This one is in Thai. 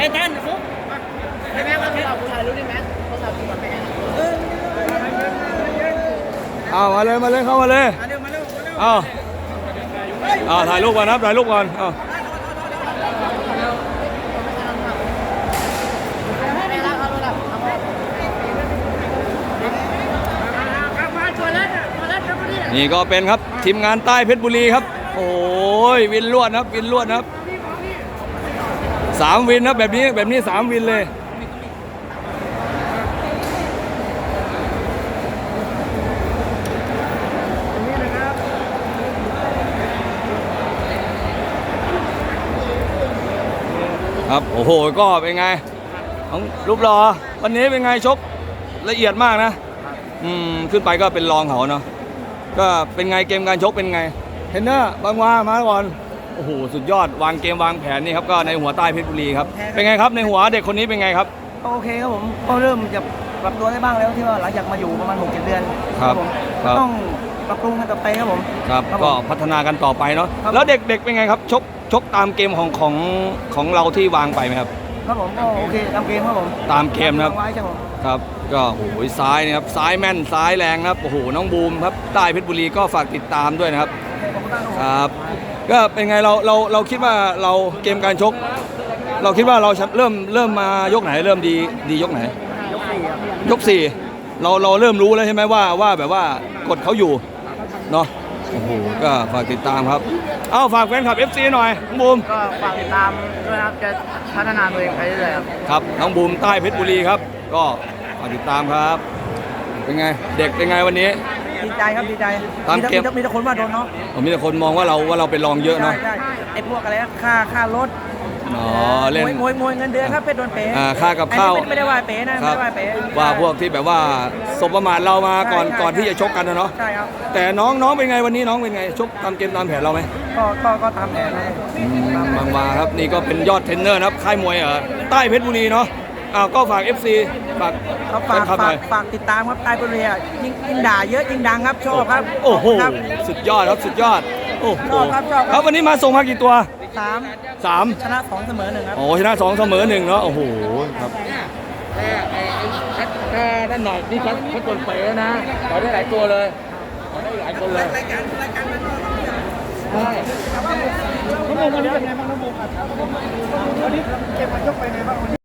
ตันฟุ๊กไอ้แม็กมาที่เราถ่ายรูปดิแม็กโทรศัพท์ที่ก่อนแม็กเอามาเลยเข้ามาเลยเอาถ่ายรูปก่อนนะถ่ายรูปก่อนเอานี่ก็เป็นครับทีมงานใต้เพชรบุรีครับโอ้ยวินลวดครับวินลวดครับ3 วินนะแบบนี้3 วินเลยครับโอ้โหก็เป็นไงของรูปรอวันนี้เป็นไงชกละเอียดมากนะขึ้นไปก็เป็นรองเขาเนาะก็เป็นไงเกมการชกเป็นไงเทรนเนอร์บางวามาก่อนโอ้โหสุดยอดวางเกมวางแผนนี่ครับก็ในหัวใต้เพชรบุรีครับเป็นไงครับในหัวเด็กคนนี้เป็นไงครับโอเคครับผมก็เริ่มจะปรับตัวได้บ้างแล้วที่ว่าหลังจากมาอยู่ประมาณ 6-7 เดือนครับผมต้องปรับปรุงกันต่อไปครับผมครับก็พัฒนากันต่อไปเนาะแล้วเด็กๆเป็นไงครับชกตามเกมของเราที่วางไปไหมครับครับผมก็โอเคตามเกมครับผมตามเกมนะครับครับก็โอ้โหซ้ายนะครับซ้ายแม่นซ้ายแรงนะครับโอ้โหน้องบูมครับใต้เพชรบุรีก็ฝากติดตามด้วยนะครับครับก็เป็นไงเราคิดว่าเราเกมการชกเราคิดว่าเราเริ่มมายกไหนเริ่มดียกไหนยก 4เราเริ่มรู้แล้วใช่ไหมว่าแบบว่ากดเขาอยู่เนาะโอ้โหก็ฝากติดตามครับเอาฝากแฟนคลับ FC หน่อยน้องบูมก็ฝากติดตามด้วยครับจะพัฒนาตัวเองไปเรื่อยๆครับน้องบูมใต้เพชรบุรีครับก็ฝากติดตามครับเป็นไงเด็กเป็นไงวันนี้ดีใจครับดีใจตามเกมมีแต่คนว่าโดนเนาะมีแต่คนมองว่าเราเป็นรองเยอะเนาะไอ้พวกอะไรค่ารถเล่นมวยเงินเดือนครับเพชรโดนเป๋ค่ากับข้าวไม่ได้ว่าเป๋นะไม่ได้ว่าเป๋ว่าพวกที่แบบว่าสบประมาทเรามาก่อนที่จะชกกันนะเนาะใช่ครับแต่น้องเป็นไงวันนี้น้องเป็นไงชกตามเกมตามแผนเราไหมก็ตามแผนบางมาครับนี่ก็เป็นยอดเทรนเนอร์นะครับค่ายมวยใต้เพชรบุรีเนาะก็ฝาก FC ฝากติดตามครับใต้เพชรบุรียิ่งด่าเยอะยิ่งดังครับชอบครับโอ้โหสุดยอดครับสุดยอดโอ้โหครับวันนี้มาส่งมากี่ตัว3 ชนะ2เสมอ1ครับโอ้ชนะ2เสมอ1เนาะโอ้โหครับด้านหน่อยนี่เขาตนเป๋นะต่อได้หลายตัวเลยต่อได้หลายคนเลยใช่น้องโมวันนี้เป็นไงบ้างน้องโมครับวันนี้เก็บมายกไปไงบ้าง